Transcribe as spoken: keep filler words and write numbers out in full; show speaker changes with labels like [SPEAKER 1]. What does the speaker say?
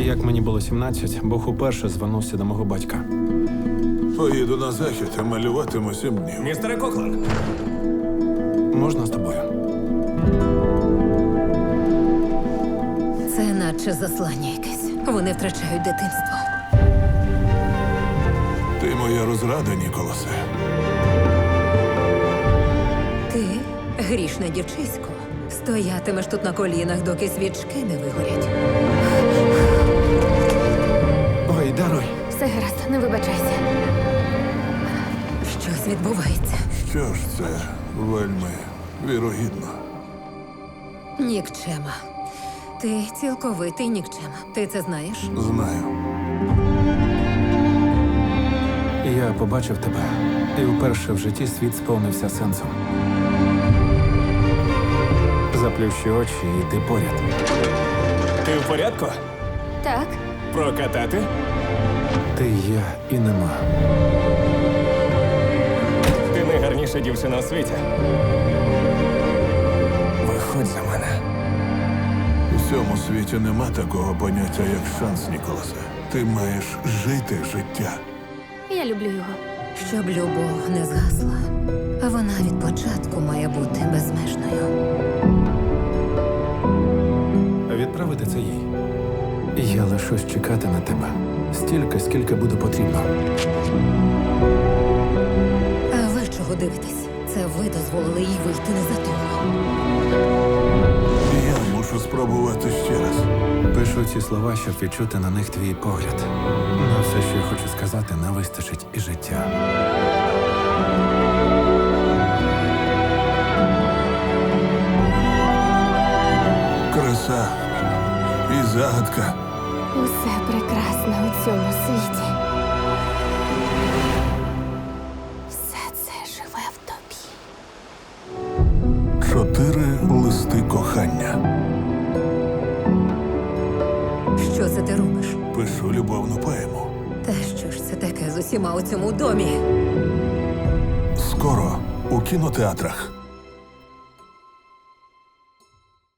[SPEAKER 1] Як мені було сімнадцять, Бог уперше звернувся до мого батька.
[SPEAKER 2] Поїду на захід, а малюватиму сім днів.
[SPEAKER 3] Містере Коклан,
[SPEAKER 1] Можна з тобою?
[SPEAKER 4] Це наче заслання якесь. Вони втрачають дитинство.
[SPEAKER 2] Ти моя розрада, Ніколасе.
[SPEAKER 4] Ти, грішне дівчисько, стоятимеш тут на колінах, доки свічки не вигорять.
[SPEAKER 1] Ой, даруй.
[SPEAKER 5] Все гаразд, не вибачайся.
[SPEAKER 4] Щось відбувається.
[SPEAKER 2] Що ж це вельми вірогідно.
[SPEAKER 4] Нікчема. Ти цілковитий нікчема. Ти це знаєш?
[SPEAKER 2] Знаю.
[SPEAKER 1] Я побачив тебе, і вперше в житті світ сповнився сенсом. Заплющи очі, і ти поряд.
[SPEAKER 3] ти в порядку?
[SPEAKER 5] Так,
[SPEAKER 3] Прокатати?
[SPEAKER 1] Ти є і нема.
[SPEAKER 3] Ти найгарніша дівчина у світі. Виходь за мене.
[SPEAKER 2] У цьому світі нема такого поняття, як шанс, Ніколасе. Ти маєш жити життя.
[SPEAKER 5] я люблю його.
[SPEAKER 4] Щоб любов не згасла, а вона від початку має бути безмежною.
[SPEAKER 1] Відправити це їй. Я лишусь чекати на тебе. Стільки, скільки буде потрібно.
[SPEAKER 4] А ви чого дивитесь? Це ви дозволили їй вийти не за того.
[SPEAKER 2] Я мушу спробувати ще раз.
[SPEAKER 1] Пишу ці слова, щоб відчути на них твій погляд. На все, що я хочу сказати, не вистачить і життя.
[SPEAKER 2] Краса і загадка.
[SPEAKER 5] Усе прекрасне у цьому світі. Все це живе в тобі.
[SPEAKER 2] Чотири листи кохання.
[SPEAKER 4] Що це ти робиш?
[SPEAKER 2] Пишу любовну поему.
[SPEAKER 4] Та що ж це таке з усіма у цьому домі?
[SPEAKER 2] Скоро у кінотеатрах.